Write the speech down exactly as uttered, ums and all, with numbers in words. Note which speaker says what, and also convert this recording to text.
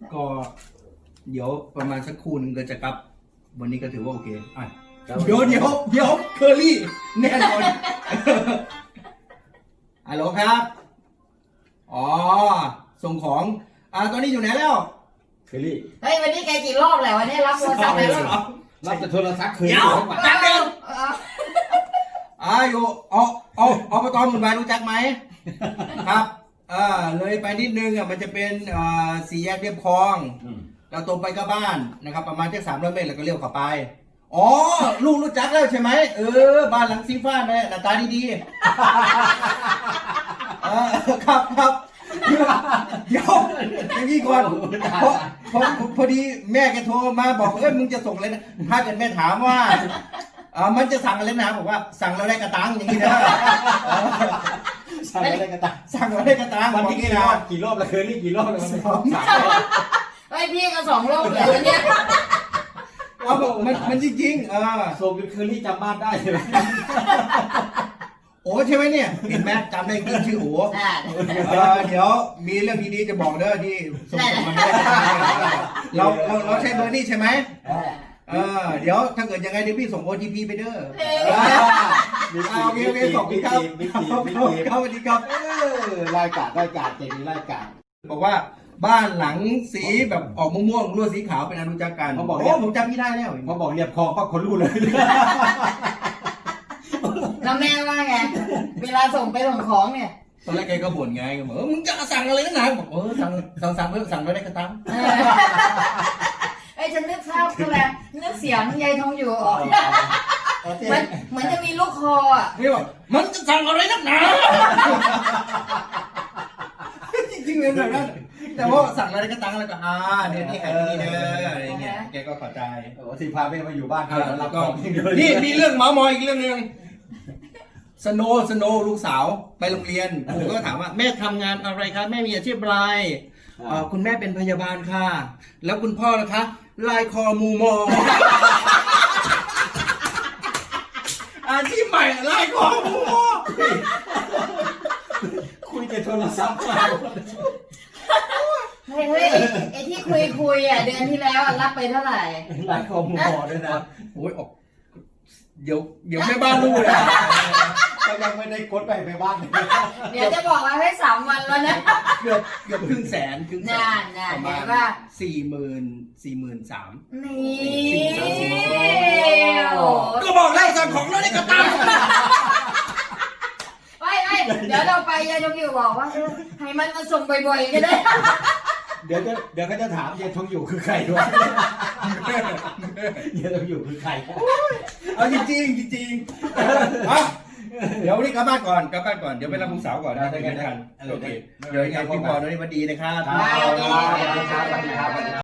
Speaker 1: ก็เดี๋ยวประมาณสักครู่นึงก็จะกลับวันนี้ก็ถือว่าโอเคอ่ะเดี๋ยวเดี๋ยวเดี๋ยวเคอรี่แน่นอนฮัลโหลครับอ๋อส่งของอ่าตอนนี้อยู่ไหนแล้ว
Speaker 2: เคอรี่
Speaker 3: เฮ้ยวันนี้แกกี่รอบแล้ววันนี้รับโทรศัพท์ไปแล้ว
Speaker 2: รับแต่โทรศัพท์คืน
Speaker 1: เดี๋ยวแป๊บนึงอ่าอยู่เอาเอาเอาปตหมุนวายรู้จักไหมครับเออเลยไปนิดนึงอ่ะมันจะเป็นอ่าสี่แยกเรียบคลองเราตรงไปก็บ้านนะครับประมาณแค่สามร้อยเมตรแล้วก็เลี้ยวเข้าไปอ๋อลูกรู้จักแล้วใช่ไหมเออบ้านหลังสีฟ้าเนี่ยหน้าตาดีๆเออครับครับเดี๋ยวอย่างนี้ก่อนพอพอพอดีแม่แกโทรมาบอกเอ้ยมึงจะส่งอะไรนะถ้าเกิดแม่ถามว่าอ่ามันจะสั่งอะไรนะบอกว่าสั่งเราได้กระตังอย่างนี้นะ
Speaker 2: สั่งแล้วได้กระตัง
Speaker 1: สั่งเราได้กระตัง
Speaker 2: วันนี้กี่รอบกี่รอบแล้วเคอรี่กี่รอบแล้วสองสาม
Speaker 3: ไอ้พี่ก็สองรอบเลยวันนี้
Speaker 1: เอามันมันจริงๆเออ
Speaker 2: ส่งเป็นเคอรี่จำบ้านได้ใช่ไหม
Speaker 1: โอ้ใช่ไหมเนี่ยเห็นไหมจำได้จริงชื่อโอ้เดี๋ยวมีเรื่องดีๆจะบอกเด้อที่ส่งมาไม่ได้เราเราเราใช้เบอร์นี่ใช่ไหมเออเดี๋ยวถ้าเกิดยังไงเดี๋ยวพี่ส่ง โอ ที พี ไปเด้อโอเคโอเคขอบคุณครับเข้ามาดีครับ
Speaker 2: เออรายการรายการเจ๋งรายการ
Speaker 1: บอกว่าบ้านหลังสีแบบออกม่วงๆลวดสีขาวเป็นอนุจักการ
Speaker 2: เขาบอก
Speaker 1: โอ้ผมจำพี่ได้แล้ว
Speaker 2: เขาบอกเรียบคลองปั๊บคนรู้เลย
Speaker 3: แล้วแม่ว่าไงเวลาส่งไปส่งของเนี่ย
Speaker 1: ตอนแรกแกก็บ่นไงก็บอกมึงจะสั่งอะไรนักหนาบอกเออสั่งสั่งสั่งเพิ่มสั่งไปได้กระตัง
Speaker 3: ไอ้ฉันนึกภาพคืออะไรนึกเสียงยายทองอยู่ออกเหมือนเหมือนจะมีลูกคออ่ะ
Speaker 1: พี่บอกมันจะสั่งอะไรนักหนาจริงๆเลยแบบนั้นแต่ว่าสั่งอะไรกระตังแล้วก็อ่าเนี่ยนี่แหละนี่เด้ออะไรเงี้ยแกก็เข้าใจ
Speaker 2: โอ้ที่พาแม่มาอยู่บ้าน
Speaker 1: แล้วก็นี่มีเรื่องเมามอยอีกเรื่องนึงสโนสโนลูกสาวไปโรงเรียนผมก็ถามว่าแม่ทำงานอะไรคะแม่มีอาชีพอะไรคุณแม่เป็นพยาบาลค่ะแล้วคุณพ่อล่ะคะลายคอมูมออาชีพใหม่ลายคอมูมอ
Speaker 2: คุยแต่โทรศัพท์
Speaker 3: เฮ้ยเฮ้ยไอ้ที่คุยคุยอ่ะเดือนที่แล้วรับไปเท่าไหร่
Speaker 2: ลายคอมูมอด้วยนะ
Speaker 1: โอ้ยออกเดี๋ยวเดี๋ยวแม่บ้านรู้เลย
Speaker 2: ก็ยังไม่ได้กดไปไปบ้าน
Speaker 3: เดี๋ยวจะบอกว่าให้สามวันแล้วนะ
Speaker 1: เกือบเกือบครึ่งแสนครึ่งแสน
Speaker 3: ประมาณว่า
Speaker 1: สี่หมื่นสี่หมื่นสาม
Speaker 3: นี่
Speaker 1: ก็บอกแล้วสั่งของแล้วได้กระตัง
Speaker 3: ไม่ไม่เดี๋ยวเราไปยายทองอยู่บอกว่าให้มันมาส่งบ่อยๆก็ได้
Speaker 2: เดี๋ยวจะเดี๋ยวก็จะถามยายทองอยู่คือใครด้วยยายทองอยู่คือใคร
Speaker 1: เอาจริงจริงจริงเดี๋ยววันนี้กลับบ้านก่อนกลับบ้านก่อนเดี๋ยวไปรับลูกสาวก่อนนะได้กันโอเคเดี๋ยวยังไงพี่บอลวันนี้มาดีนะครับ